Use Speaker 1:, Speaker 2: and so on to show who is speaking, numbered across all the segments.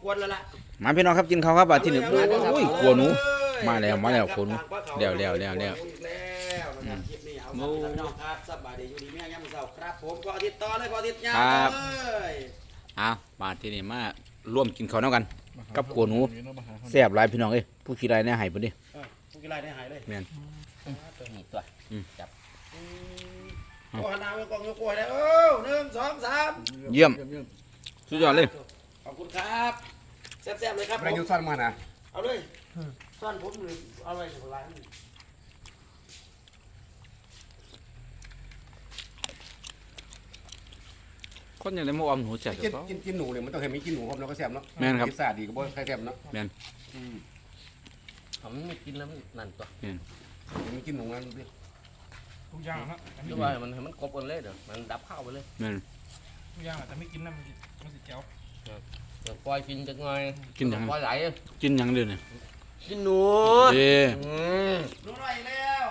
Speaker 1: ควรแล้วล่ะ
Speaker 2: มาพี่น้องครับกินข้าวครับที่หนึ่งโอ้ยขัวหนูมาแล้วขัวหนูเดี๋ยว
Speaker 1: นะครับคลิปนี้เอาพี่น้องครับสบายดีอยู่ดีแม่ยังมือเสาครับผมพออาทิตย์ต่อเลยพออาทิตย์ยาวเลย
Speaker 2: มาที่นี่มาร่วมกินข้าวน้ำกันกับขัวหนูแซ่บหลายพี่น้องเอ้ยผู้ขี้ไรเนี่ยหายไปดิ
Speaker 1: ผู้ขี้ไรเนี่ยหายเลย
Speaker 2: แม่น
Speaker 1: ตัวจับโอ้หน้าเป็นกองยกกล้วยเลย1 2 3
Speaker 2: เยี่ยมสุดยอดเลย
Speaker 1: ขอบคุณครับแซ่บๆเลยครับ
Speaker 3: อะไรยุซ่อนมานะ
Speaker 1: เอาเลยซ่อนผมหรือเอาไว้ถึงร้าน
Speaker 2: คนอย่างไรมาออมหนูแซ่บ
Speaker 3: กินหนูเนี่ยมันต้องเห็นมีกินหนูครับแล้วก็แซ่บเนาะ
Speaker 2: แม่นครับ
Speaker 3: พิซซ่าดีก็บ่ใครแซ่บเนาะ
Speaker 2: แม่น
Speaker 1: ผมไม่กินแล้วนั่นตัว
Speaker 3: มีกินหนูนั่นดิ
Speaker 4: ทุกอย่างนะ
Speaker 1: คือว่ามันกบกันเลยเดี๋ยวมันดับข้าวไปเลย
Speaker 2: แม่น
Speaker 4: ทุกอย่างแต่ไม่กินนะมันสิเจ้า
Speaker 1: ปล่อยกินจังไง
Speaker 2: กินยัง
Speaker 1: ปล่อยไหล
Speaker 2: กินยังเดือนนี่
Speaker 1: กินหนูหนูหน่อยแล้ว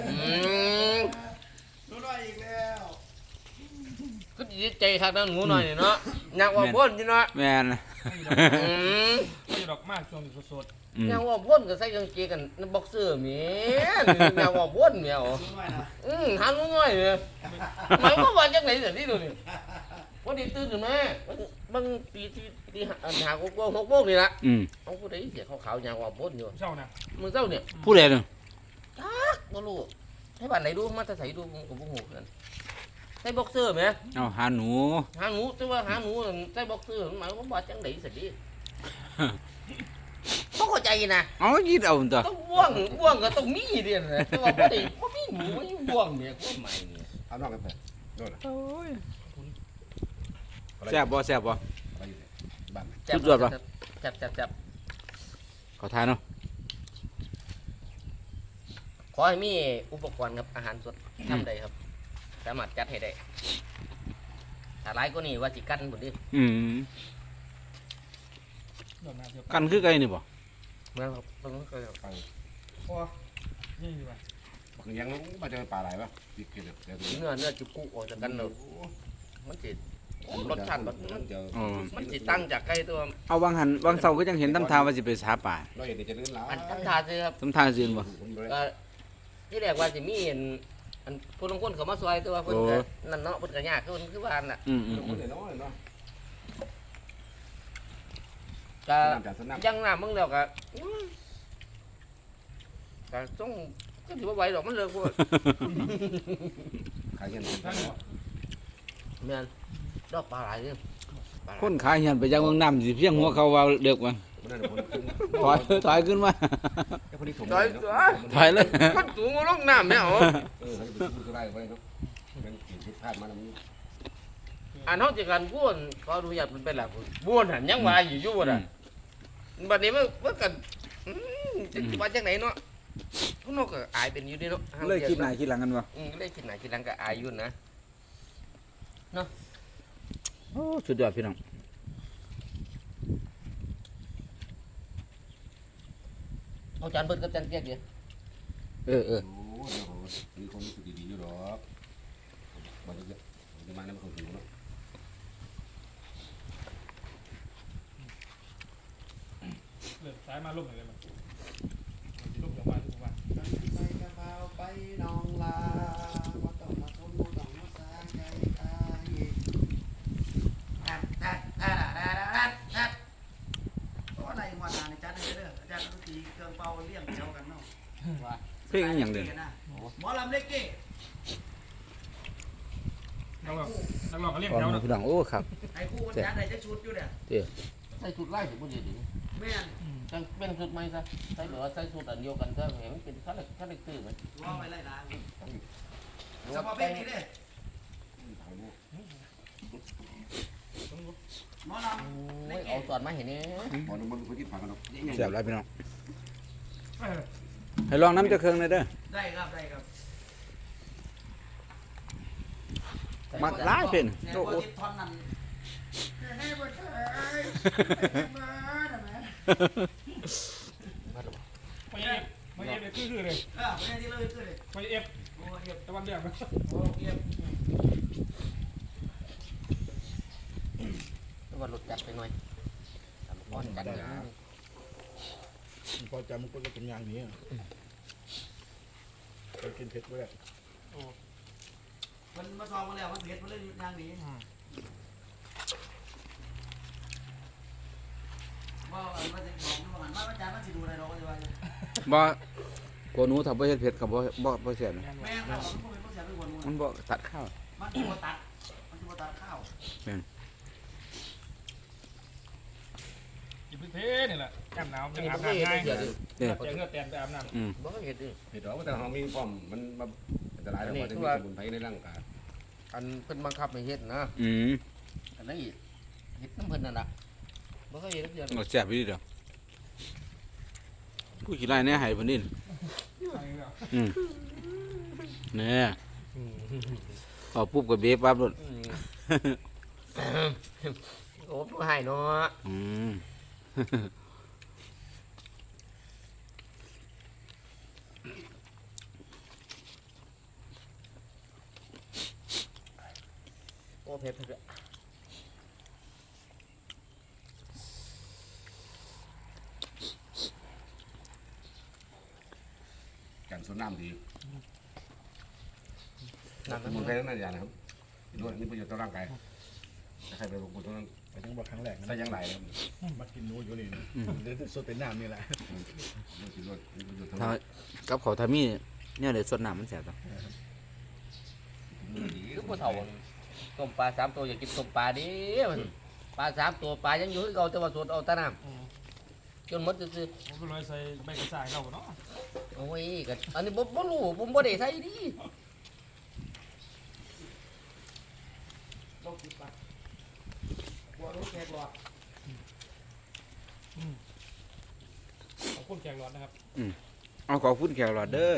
Speaker 1: หนูหน่อยอีกแล้วก็ดีใจครับนะหนูหน่อยเนาะอยากว่าพ่นจีเนาะ
Speaker 2: แม่น
Speaker 4: ไม่ดอกมากช่วงสด
Speaker 1: อยากว่าพ่นก็ใส่กางเกงกันบ็อกเซอร์เมียอยากว่าพ่นเมียหาหนูหน่อยเลยหมายว่าจังไหนเดี๋ยวนี้ดูนี่วันนี้ตื่นขึ้นมาบางปีหา6 โมงนี่ละเอาผู้ใดเสียขาวๆอย่างว่าพ่นอยู่
Speaker 4: เช้านะ
Speaker 1: มือเจ้าเนี่ย
Speaker 2: ผู้ใดเนี่ย
Speaker 1: บ่รู้ให้บ้านไหนดูมาแต่ใส่ดูกับพวกหูกันใส่บ็อกเซอร์ไหม
Speaker 2: เอาหาหนู
Speaker 1: แต่ว่าหาหนูใส่บ็อกเซอร์หมายว่าจังไหนสิดิต้องเข้าใจนะ
Speaker 2: เอายีดเอาตัว
Speaker 1: ต้องบ่วงก็ต้องมีเดียนะแต่ว่าบ่ได้บ่มีหนูบ่มีบ่วงเนี่ยก็หมายเนี่ย
Speaker 3: เอานอกกันไปโน่น
Speaker 2: โอ้ยแซ่บบ่สุดยอดป่ะ
Speaker 1: จับ
Speaker 2: ขอทานเนาะ
Speaker 1: ขอให้มีอุปกรณ์ครับอาหารสดทำได้ครับสามารถจัดให้ได้ถ้าหลายกว่านี้ว่าสิกันบ่ดิ
Speaker 2: กันคือไก่นี่บ่
Speaker 1: แม่นครับต้องเคยไป
Speaker 4: พอนี่ดีป่ะ
Speaker 3: ยังมาเจอปลาไหลป่ะติดเกลือ
Speaker 1: เนื้อจุกุออกจากกันเลยมันจิรสชาติมันจิตั้งจากไก่ตัว
Speaker 2: เอาวางเสาก็ยังเห็นตำทาว่าสิไปหาป่า
Speaker 3: เราเห็นจะลื่นแล้ว
Speaker 1: ตำทาสิครับ
Speaker 2: ตำทาสิบ่
Speaker 1: ที่แรกว่าจะมีอันคนลงคนเขามาซอยตัวคนนั่นเนาะคนกระยากคือว่าน่ะก็ยังน้ำมึงเดียวก็ต้องก็ถือว่าไหวหรอกมันเลิกพวก
Speaker 3: ขายเงิน
Speaker 1: เมียนดอกปลาไหลเนี่ย
Speaker 2: คนขายเงินไปยังเมืองน้ำสิเพียงหัวเขาว่าเดือกมันถอยขึ้นมาถอยเลย
Speaker 1: คนสูงลงน้ำไม่เอาอันเขาจะการบ้วนเขาดูอยากเป็นแบบบ้วนหันยังวายอยู่อ่ะบัดนี้มันกันจะว่าจากไหนเนาะพวกนกก็อายเป็นอยู่นี่เนาะ
Speaker 2: เลยคิดไหนคิดหลังกันวะ
Speaker 1: เลยคิดไหนคิดหลังก็อายอยู่นะเนาะ
Speaker 2: โอ้สุดยอดพี่น้อง
Speaker 1: เอาจานเบิดกับจานเกี๊ยกดิ
Speaker 3: มีคนสุดดีอยู่หรอกมันจะมาเนี่ยมันคงหิวเนาะ
Speaker 4: สายมาลุ่มอะไรมันลุ่มจากบ้านทุกวัน
Speaker 1: ไปกระเพราไปนองลาว่าต้องมาทุ่มต้องมาสร้างใจตายก็อะไรมาทานในจานนี้เด้ออาจารย์ทุกทีเครื่องเป่าเลี้ยงเดียวกันเนาะ
Speaker 2: เพลงอย่างเดียว
Speaker 1: หมอลำเล็กเก้
Speaker 4: นักร้องก็เลี้ยงเดียวนะ
Speaker 2: พี่น้องโอ้ครับ
Speaker 1: ไอ้คู่มันจานไหนจะชุดอยู่เนี่ยใส่ชุดไล่ถึงบุรีดิแม่จังเป็นชุดไหมซะใส่เหลือใส่ชุดอันเดียวกันก็เห็นเป็นข้าเล็กตื้อไหมว่าไปไล่ล้างสปอร์ตเป็นนี่เด้หมอลำเอาสอนมาเห็นนี่
Speaker 3: หมอลำบนพื้นที่ผ่านกันเนาะ
Speaker 2: เสียบแล้วพี่น้องให้ลองน้ำจะเครื่องเลยเด้อ
Speaker 1: ได้ครับ
Speaker 2: มักร้ายเป็น
Speaker 1: โอ้โหท่อนนั้น
Speaker 4: ไม่เอฟเลยคือเลยไม่เอฟตะวันเดือดนะ
Speaker 1: ตะวันหลุดจัดไปหน่อย
Speaker 3: อนกันนะ
Speaker 5: พอจำมันก็เป็นอย่างนี้ไปกินเผ็ดก็ได้
Speaker 6: มันมาซองมาแล้วมันเผ็ดมันเลยนางนี้ว่ามันจะบอกมันว่าอาจารย์มันสิดูอะไรเราก็จะว่า
Speaker 2: บ่กลัวหนูถ้าบ่เฮ็ดเผ็ดก็บ่แซ่บนะ
Speaker 6: แม่เรามันเป็นคนเสียเป็นคน
Speaker 2: มันบ่ตัดข้าว
Speaker 6: มันจะมาตัดข้าว
Speaker 4: กินเพชรนี่แหละแอบหนาว
Speaker 1: อั
Speaker 4: ยั
Speaker 1: น
Speaker 4: ง
Speaker 1: นี้
Speaker 4: อาบ
Speaker 1: บ่เคย
Speaker 4: น้ำ
Speaker 1: เฮ็
Speaker 4: ง่า
Speaker 1: ด
Speaker 4: ย
Speaker 1: เดี๋ยวดิ
Speaker 2: เนี่ย
Speaker 4: เจอเงือกแตนไปอาบน้ำ
Speaker 1: บ่เคยเฮ็ดดิ
Speaker 3: เห็ดหรอแต่เรามีป้อมมันอันตรายแล้วมันจะมีสมุนไพรในร่างกาย
Speaker 1: อันเพิ่นบังคับให้เฮ็ดนะ
Speaker 2: อืม
Speaker 1: อันนี้เฮ็ดน้ำเพิ่นนั่นล่ะบ่เคยเฮ็ดเดี๋ยว
Speaker 2: ก็แซ่บอยู่ดีดอกผู้ขี้ไล่เนี่ยให้เพิ่นนี่อืมเนี่ยเอาปุ๊บก็เบะปั๊บโลด
Speaker 1: โอ้ผู้ให้เนาะ
Speaker 2: อืม
Speaker 1: โอ้เผ็ดเผ็ด
Speaker 3: กันส่วนน้ำดี
Speaker 1: นั่น
Speaker 3: สมุนไพรทั้งนั้นอย่างนะครับด้วยนี่ประโยชน์ต่อร่างกายใครไปบอกคุณต้อง
Speaker 5: ไปทั้งบอกครั้งแรก
Speaker 3: ใส่ยังไงครับ
Speaker 5: มากินนูอยู่นี่เดี๋ยวสดเป็นน้ำนี่แหละ
Speaker 3: นี่คือด้วยนี่ประโยชน์ทั้ง
Speaker 2: ถ้า
Speaker 3: นั้น
Speaker 2: กับเขาวถ้ามีเนี่ยเดี๋ยวสดน้ำมันแซ่บจ้ะ
Speaker 1: คือผู้เฒ่าต้มปลา3ตัวอยากกินต้มปลาดิปลา3ตัวปลายังอยู่คือเก่าแต่ว่าสดเอาแต่น้ำจนหมดซื่อ
Speaker 4: ผมก็เลยใส่ใบกระชายเราเนาะ
Speaker 1: ๆโอ้ยก็อันนี้บ่รู้ผมบ่ได้ใส่ดิ
Speaker 6: โรคติดปากบัวรู้แค่บัว
Speaker 4: ขอบคุณแขกร้อนนะครับ
Speaker 2: เอาขอบคุณแขกหลอดเด้อ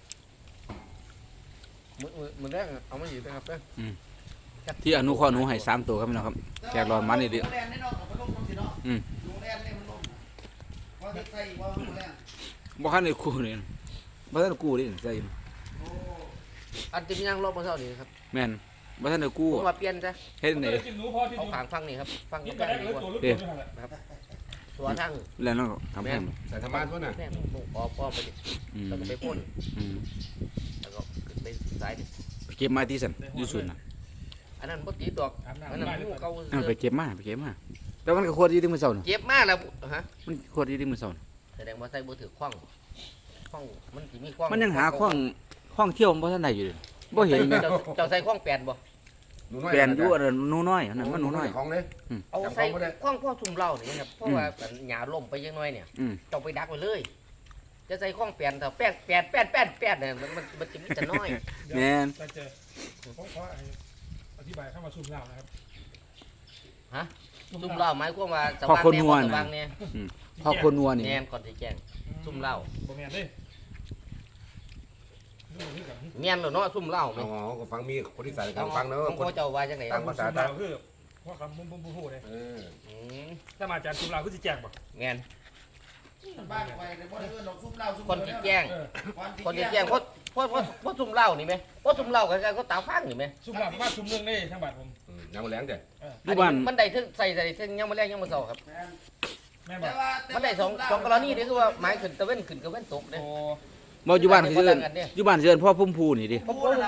Speaker 1: มื้อแรกเอามาอยู่นะครับเด้อ
Speaker 2: ที่อนุเคราะห์หนูให้3ตัวครับพี่น้องครับแขกหลอดมันนี่ดิ
Speaker 6: โรงแรมนี่เนาะกับโรงมันสิเนาะโรงแรมนี่มันลมว่าจะใส่ว่าโรงแรม
Speaker 2: บ่คันได้กู้นี่บ่ทันได้กู้ดิใส่
Speaker 6: โอ้
Speaker 1: อันที่มียังลบมาเท่านี้ครับ
Speaker 2: แม่นบ่ทันได้กู้
Speaker 1: ผมมาเปลี่ยนซะ
Speaker 2: เฮ็ด
Speaker 4: ผม
Speaker 2: ไหน
Speaker 4: ก็เลยกินหนูพอที่
Speaker 1: เอา
Speaker 4: ดู
Speaker 1: ขางฟังนี่ครับฟัง
Speaker 4: กิน
Speaker 1: ก็
Speaker 4: ไป
Speaker 1: ได้
Speaker 4: ได้
Speaker 1: ดี
Speaker 4: เลย
Speaker 1: กว่า
Speaker 4: ตัวลูกตัวนี่แหละ
Speaker 1: ตัวทั้ง
Speaker 2: แล้วเนาะทำให้
Speaker 3: ใส่ธรรมะด้วยนะ
Speaker 1: แม่ออกไปดิ
Speaker 2: อืม
Speaker 1: แล้วก็ไปพ่น
Speaker 2: อืม
Speaker 1: แล้วก็ขึ้นไปสายดิ
Speaker 2: ไปเก็บมาที่สั่นอยู่สุดน่ะ
Speaker 1: อันนั้นบ่ตีดอก
Speaker 4: อาบ
Speaker 1: อัน
Speaker 4: น้ำ
Speaker 1: นั้น
Speaker 4: ได้
Speaker 1: หมู
Speaker 4: เลย
Speaker 1: เก่า
Speaker 2: เอาไปเก็บมาแต่มันก็ขวดอยู่ที่มื้อเช้าน่ะ
Speaker 1: เก็บมาแล้วฮะ
Speaker 2: มันขวดอยู่ที่มื้อเช้าน่ะ
Speaker 1: แสดงว่าใส่บ่ถือคว้างมันสิมีคว้าง
Speaker 2: มันยังหาข้องเที่ยวบ่ทันได้อยู่เลยบ่เห็นแม่
Speaker 1: เจ้าใส่คว้างแปดบ่
Speaker 2: แปลนอยู่อันนั้นหนูน้อยอันนั้นมันหนูน้อย
Speaker 3: ของเลย
Speaker 1: เอาใส่คว้างพ่อซุ่มเหล้านี่ครับเพราะว่าหญ้าล่มไปยังน้อยเนี่ย
Speaker 2: อืม
Speaker 1: เจ้าไปดักไว้เลย จะใส่คว้างแปดถ้าแปดเนี่ยมันจะมีแต่น้อย
Speaker 2: แม่น
Speaker 4: แต่เจอผมขออธิบายเข้ามาซูมเหล้านะครับ
Speaker 1: ซุ่มเหล้าหมายความว่าสว่างแน่บ่สว่างแน่
Speaker 2: พอคนนัวนี่
Speaker 1: แน่ก่อนสิแจ้ง ซุ่มเหล้า
Speaker 4: บ่แม่นเด้นี่คือกัน
Speaker 1: แม่นแล้วเนาะซุ่มเหล้าแม่
Speaker 3: อ๋อก็ฟังมีคนที่ใส่
Speaker 1: ข
Speaker 3: กั
Speaker 1: อน ง
Speaker 3: ฟังเนอะ
Speaker 1: ของ
Speaker 3: คน
Speaker 1: พ่อเจ้าว่าจังได๋
Speaker 3: ตั้งภาษา
Speaker 4: ซูมเหล้าคือว่าคำบุ้มพูดเลย
Speaker 1: อืม
Speaker 4: ถ้ามาจากซูมเหล้าคือสิแจกบ่
Speaker 1: แม่น
Speaker 6: บ้านไปในบ่ได้เอิ้นดอกซุ่มเหล้าซุ่ม
Speaker 1: คนที่แจ้ง
Speaker 4: เออ
Speaker 1: คนที่แจ้งเพราะซุ่มเหล้านี่แม่เพราะซุ่มเหล้าก็ตาฟังนี่แม่
Speaker 4: ซูมเหล้ามาซูมเรื่องได้ทั้งบ้านผม
Speaker 3: ยังมาแรงเด้
Speaker 2: อยู่บ้าน
Speaker 1: มันได้ถึงใส่ถึงยังบ่แรงยังบ่เซาครับ
Speaker 4: แม่บ
Speaker 6: แต่
Speaker 4: อก
Speaker 6: ว่า
Speaker 1: มันได้สองกรณีนี่คือว่าหมายขึ้นตะเว้นขึ้นกับเว้นตกเด้
Speaker 4: โอ้
Speaker 2: บ่อยู่บ้านคือเอิ้นอยู่บ้านสิเอิ้นพ่อพุ่มพูนี่ดิ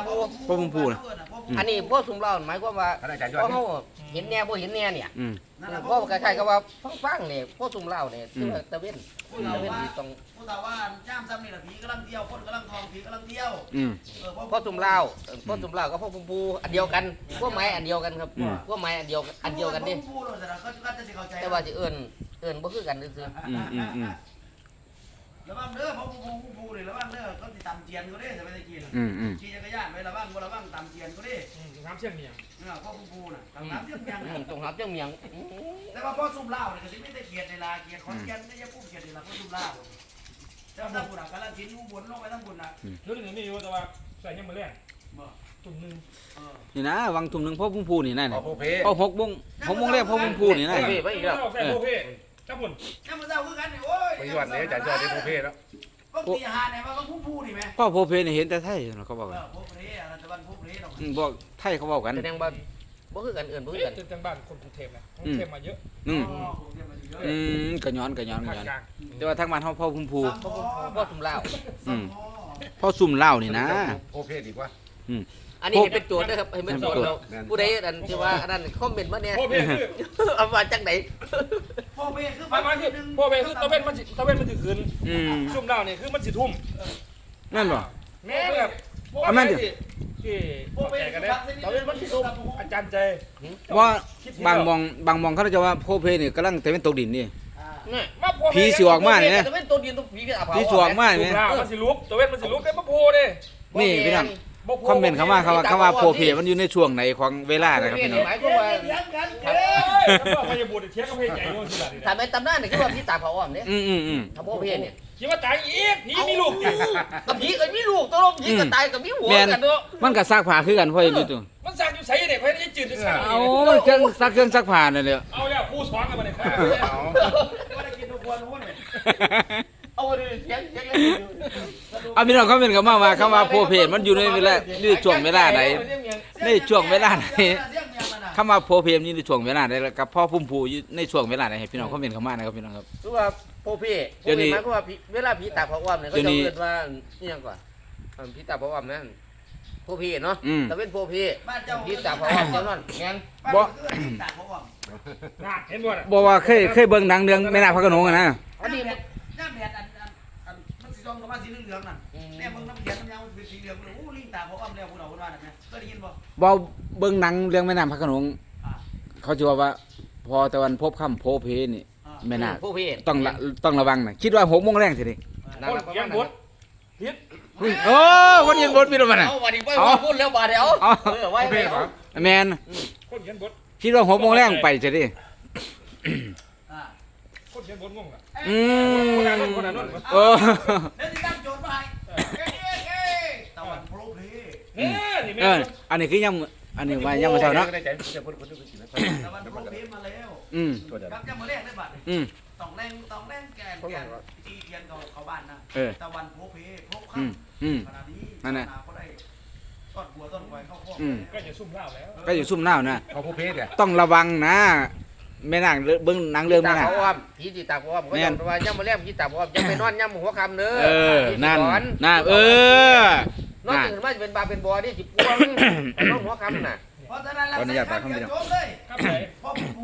Speaker 1: อันนี้พวกซุ่มเหล้าหมายความว่า
Speaker 3: ท่านอาจารย์ยอ
Speaker 1: พ
Speaker 3: ด
Speaker 1: อเฮาเห็นแน่บ่เห็นแน่เนี่ย
Speaker 2: อืม
Speaker 1: เพราะคล้ายๆกับว่าฟังๆนี่พวกซุ่มเหล้านี่คือว่าตะเว้น
Speaker 6: ผู้เฒ่า
Speaker 1: ตะเว้น
Speaker 6: ว่า
Speaker 1: นี่ต้อง
Speaker 6: ผู้เฒ่าว่าจ้ามซ้ำนี่ล่ะผีกำลังเที่ยวคนกำลังทองผีกำลังเที่ยว
Speaker 2: อืม
Speaker 1: พวกซุ่มเหล้าพวกซุ่มเหล้ากับพวกพุ่มพูอันเดียวกันพวกไม้อันเดียวกันครับ
Speaker 2: อืม
Speaker 1: พวกไม้อันเดียวกันนี่
Speaker 6: ผู้เราจะเขาจะเข้าใจ
Speaker 1: แต่ว่าสิเอิ้นบ่คือกันซื่อ
Speaker 2: อืม
Speaker 6: ระวังเด้อเพราะผู้นี่ระวังเด้อเขาสิตำเจียนก็ได้จะไปตะกี้น่ะ
Speaker 2: อืม
Speaker 6: ขี่จักรยานไประวังบ่ระวังตำเจียนก็ได้
Speaker 4: น้ำเชี่ยงเนี่ย
Speaker 6: เพราะผู้น่ะตำน้ำเทียมยัง
Speaker 1: ๆมันต้องหับจังเมียง
Speaker 6: แต่ว่าพ่อซุ่มเหล้าเนี่ยก็สิไม่ได้เกียรติในลาเกียรติขอนแก่นไม่ใช่ผู้เกียรติในลาพ่อซุ่มเหล้าเจ้าทั้งบุญอ่ะกาลสินธุ์อุบลลงไปทั้งบุญอ่ะ
Speaker 4: รู้ถึงนี่อยู่แต่ว่าใส่ยังมือแรก
Speaker 6: บ่
Speaker 4: ตุ่มนึง
Speaker 2: นี่นะวังทุ่มหนึงพ่อพุ่มพูนี่นั่น
Speaker 3: ขอ
Speaker 2: น่ะ
Speaker 3: โพเพ
Speaker 2: พอ6:00นแรกพ่อพุ่มพูนี่นั่น
Speaker 1: ไปอีกแล้ว
Speaker 4: ใส่โอเคจ้าบุญ
Speaker 6: น้ำมันเศร้าคือกันนี่โอ้ย
Speaker 3: ไปยอดเลยอาจารย์ยอดที่โพเพแล้ว
Speaker 6: ก็ตีหาเนี่ยว่าผู้นี่ไหม
Speaker 2: พ่อโพเพนี่เห็นแต่ไทยเขาบอกกัน
Speaker 6: ผู้เพอะไรตะวันผู้เพเรา
Speaker 2: บอกไทยเขาบอกกัน
Speaker 1: แสดงว่าบ่คือกันเอื่นบ่คือกัน
Speaker 4: จนจังบ้านคนกรุงเทพนะกรุงเทพมาเยอะ
Speaker 2: อืม
Speaker 6: อ๋อผมเรียนมาอยู่เยอะ
Speaker 2: กระย้อน
Speaker 4: ภาคกลาง
Speaker 2: แต่ว่าทางบ้านเฮาพ่อพุ่มพู
Speaker 1: พ่อตุ่มลาว
Speaker 2: อืมพ่อซุ่มเหล้านี่นะ
Speaker 3: โอเพศดีกว่า
Speaker 1: อันนี้ให้เป็นโจทย์นะครับให้เป็นโจทย์เราผู้ใดอันที่ว่าอันนั้นคอมเมนต์มาเนี่ย
Speaker 4: พ่อเบคือ
Speaker 1: เอามาจากไหน
Speaker 6: พ่อเบคือ
Speaker 4: ไม่ไม่คือพ่อเบคือตะเวนมันสิขึ้น
Speaker 2: อืม
Speaker 4: ซุ่มเหล้าเนี่ยคือมันสิทุ่ม
Speaker 2: นั่นบ่
Speaker 4: แม่แบบ
Speaker 2: เอามันดิ
Speaker 4: ที่
Speaker 6: พ่อ
Speaker 4: เข้า
Speaker 6: เบ
Speaker 4: ใจ
Speaker 6: คื
Speaker 4: กั
Speaker 6: อน
Speaker 4: ได้
Speaker 6: พักสนิท
Speaker 4: ตะเวนมันสิทุ่มอาจารย์ใจ
Speaker 2: ว่าบางมองเขาจะว่าโพเพนี่กำลังแต่เป็นตกดินนี่
Speaker 1: นี่
Speaker 4: มาพ่อ
Speaker 2: ผีสิออกมาเนี่ยนะ
Speaker 1: จะเป็นตัวดินตัวผีกับ
Speaker 2: ผีสวงมาก
Speaker 4: ซุ่
Speaker 2: นี่
Speaker 4: มเหล้ามันสิลุกตะเวนมันสิลุกได้มาโพเด้
Speaker 2: นี่พี่น้องคอมเมนต์คำว่าโพเพมันอยู่ในช่วงไหนของเวลานะครับพี่น้อง
Speaker 1: หมายความว่า
Speaker 6: เลี้ยงกัน
Speaker 4: เฮ้ยแล้วพยาบุตรเทียบกับเพศใหญ่โน่นสิล่ะนี่
Speaker 1: ถ้าเป็นตำนานเนี่ยคือว่าผีตาเผาอ้อมเนี่ย
Speaker 2: อืม
Speaker 1: ถ้าโบเพเนี่ย
Speaker 4: คิดว่าตายอีกผีมีลูกอีก
Speaker 1: กับผีก็มีลูกตัวลมผีก็ตายกับมีหัว
Speaker 2: แม่น
Speaker 1: กันเนาะ
Speaker 2: มันก็ซักผ้าคือกันพ่ออยู่ตัว
Speaker 4: มันสั่งอยู่ใส่เนี่ยเพื่อนจะจืดจะสั่ง
Speaker 2: เอามันเครื่องซักผ้านั่นแหละ
Speaker 4: เอาแล้วคู่ซ้อนกันมาเนี่ย
Speaker 6: ว่าได้กินทุกคนทุกคนเลย
Speaker 1: เอาดิเสียงเลย
Speaker 2: เอาพี่น้องคอมเมนต์เข้ามาว่าคำว่าโพเพมันอยู่ในเวลานี่ช่วงเวลาไหนนี่ช่วงเวลาไหนคำว่าโพเพมันอยู่ในช่วงเวลาไหนแล้วกับพ่อพุ่มพูอยู่ในช่วงเวลาไหนให้พี่น้องคอมเมนต์เข้ามานะครับพี่น้องครับ
Speaker 1: คือว่าโพเพหมายความว่าเวลาผีตาเผาอ้อมเนี่ยเขาจะเรียกว่านี่ยังก่อนผีตาเผาอ้อมนั่นโพเพเนาะแต่เป็นโพเพ
Speaker 6: บ้านเจ้า
Speaker 1: ผีตาเผาอ้อมเจ้านั่นแม่น
Speaker 6: บ้านเจ้าคือตากเขาอ่ะ
Speaker 4: น่าเห็นบ่น่ะ
Speaker 2: บอกว่าเคยเบิ่งหนังเรื่องแม่นาคพระโขนงอะนะ
Speaker 1: อันนี้
Speaker 6: น้ำแผดอันมันสีส้มกับมันสีเหลืองนั่นแม่มึงน้ำแข็งน้ำยางมันเป็นสีเหลืองเลยโอ้ลิงตากเขาอ่ะแล้วพวกเราคนว่านั่นนะเคยได้ยินบ่
Speaker 2: บอกเบิ่งหนังเรื่องแม่นาคพระโขนงเขาจะว่าพอตะวันพบค่ำโพเพนี่แม่นาค
Speaker 1: โพเพ
Speaker 2: ต้องระวังนะคิดว่า6 โมงแรงสิดิ
Speaker 4: คนเขียนบทผิด
Speaker 2: โอ้คนยินบทพี่รู้มั้ยน่ะ
Speaker 1: เอาวันนี้ไปพูดแล้วบาดเดียวไว้ไป
Speaker 2: แมน
Speaker 4: คนเขียนบท
Speaker 2: คิดว่า6 โมงแรงไปสิดิ
Speaker 4: คนเขียนบทงงอ่ะ
Speaker 2: อื
Speaker 4: คนนั้น
Speaker 2: ม
Speaker 4: คนนั้น
Speaker 2: โอ้
Speaker 6: แล้วที่ตั้งโจทย์มาให้ตะวันโปรเพ
Speaker 4: เนี่ยนี่
Speaker 2: เอ
Speaker 4: แม่
Speaker 2: ออันนี้คือยังอันนี้ว่ายังบ่เท่าเนาะ
Speaker 3: ได้ใจจะพูดดูสินะ
Speaker 6: ตะวันโปรเพมาแล้ว
Speaker 2: อืม
Speaker 3: ตัวเดียว
Speaker 6: ครับยังมาแรกได้บัตร
Speaker 2: อืม
Speaker 6: ต้องแรงแกนตีเทียนเขาบ้านนะตะวันโปรเพพบครั
Speaker 2: อื
Speaker 6: บ
Speaker 2: มอืม
Speaker 6: ขณะนี้
Speaker 2: นั่นน่ะ
Speaker 6: เขาได้ต้นหัวต้นไว้เข้าข้อ
Speaker 4: ก็จะซุ่มเหล้าแล้ว
Speaker 2: ก็อยู่ซุ่มหน้านะ
Speaker 3: เขาผู้เพศเนี่ย
Speaker 2: ต้องระวังนะแม่นางเบิ่งหนังเรื่อง
Speaker 1: ตา
Speaker 2: แม่นาง
Speaker 1: เผาอ้อมผีที่ตาเผาอ้อมก็ยังว่าย่ำมาแล้วผีตาเผาอ้อมยังไปนอนย่ำหัวคำเด้อ
Speaker 2: เออนั่นน่ะเออน
Speaker 1: อนตื่นมาจะเป็นบาเป็นบอนี่จิปวงนอนหัวคำน่ะ
Speaker 6: เพราะฉะนั้นเราใส่ข้าวเกี๊ยวโจ๊กเลย
Speaker 4: ครับไหน
Speaker 6: พ่อปู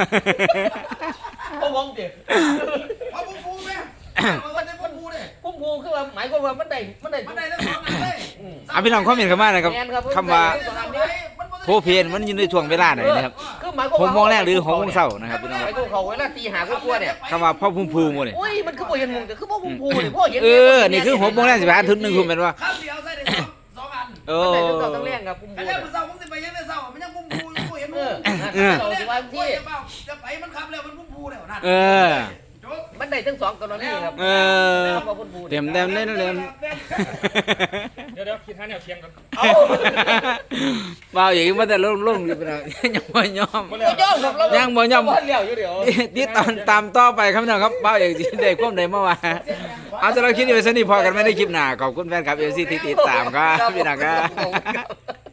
Speaker 1: เขามองเด็ก
Speaker 6: พ่อปูไหมมันก็ได้พ่อปูเลย
Speaker 1: พุ่มพูคือว่าหมายความว่ามันได้
Speaker 6: มันได้ทั้งสองอันเลย
Speaker 2: เอาพี่น้องคอมเมนต์เข้ามานะครับคำว่าโพเพนมันอยู่ในช่วงเวลาไหนนะครับ
Speaker 1: คือหมายความ
Speaker 2: 6 โมงแรกหรือ6 โมงเช้านะครับพี่น้อง
Speaker 1: ไอ้ตัวเขาเวลาตีหากลัวเนี่ย
Speaker 2: คำว่าพ่อพุ่มพูหมดเลย
Speaker 1: โอ้ยมันคือบ่เห็นมุงแต่คือบ่พุ่มพูเนี่ยพ่อเห็น
Speaker 2: นี่คือ6 โมงแรกสิบห้าทุ่ม1 ทุ่มเป็นว่า
Speaker 6: ข้าวเดียวใส่ได้สองอัน
Speaker 2: โอ้
Speaker 1: มันได้ตัวต้องเลี้ยงครับพุ่ม
Speaker 6: อั
Speaker 1: พู
Speaker 6: นนี้มันเศร้าผมสิไปยังได้เศร้ามันยังพุ่มพูอยู่เห็น
Speaker 1: เอ
Speaker 6: มั้
Speaker 1: อย เราสิว่า
Speaker 6: ที่
Speaker 1: ที่
Speaker 6: จะไปมันขับแล้วมันพุ่มพูแล้วนั่น
Speaker 2: เออ
Speaker 6: โจ๊ก
Speaker 1: มันได้ทั้งสองกรณีครับ
Speaker 2: เออ เต็มเล่นเล่น
Speaker 4: เดี๋ยวคิดหาแนวเทียงกัน
Speaker 1: เอา
Speaker 2: เบาอย่างนี้มาแต่ลงอยู่เป็นยังบ่ยอม
Speaker 1: บ่ยอมครับเรา
Speaker 2: ยังบ่ยอม
Speaker 1: บ่เลี้ยวอยู่เดี๋ยว
Speaker 2: ที่ตามต่อไปครับพี่น้องครับเบาอย่างที่ได้ความใดเมื่อวานเอาจะเราคิดอยู่สนิทพอกันไม่ได้คลิปหน้าขอบคุณแฟนคลับเอฟซีที่ติดตามครับพี่น้องครับ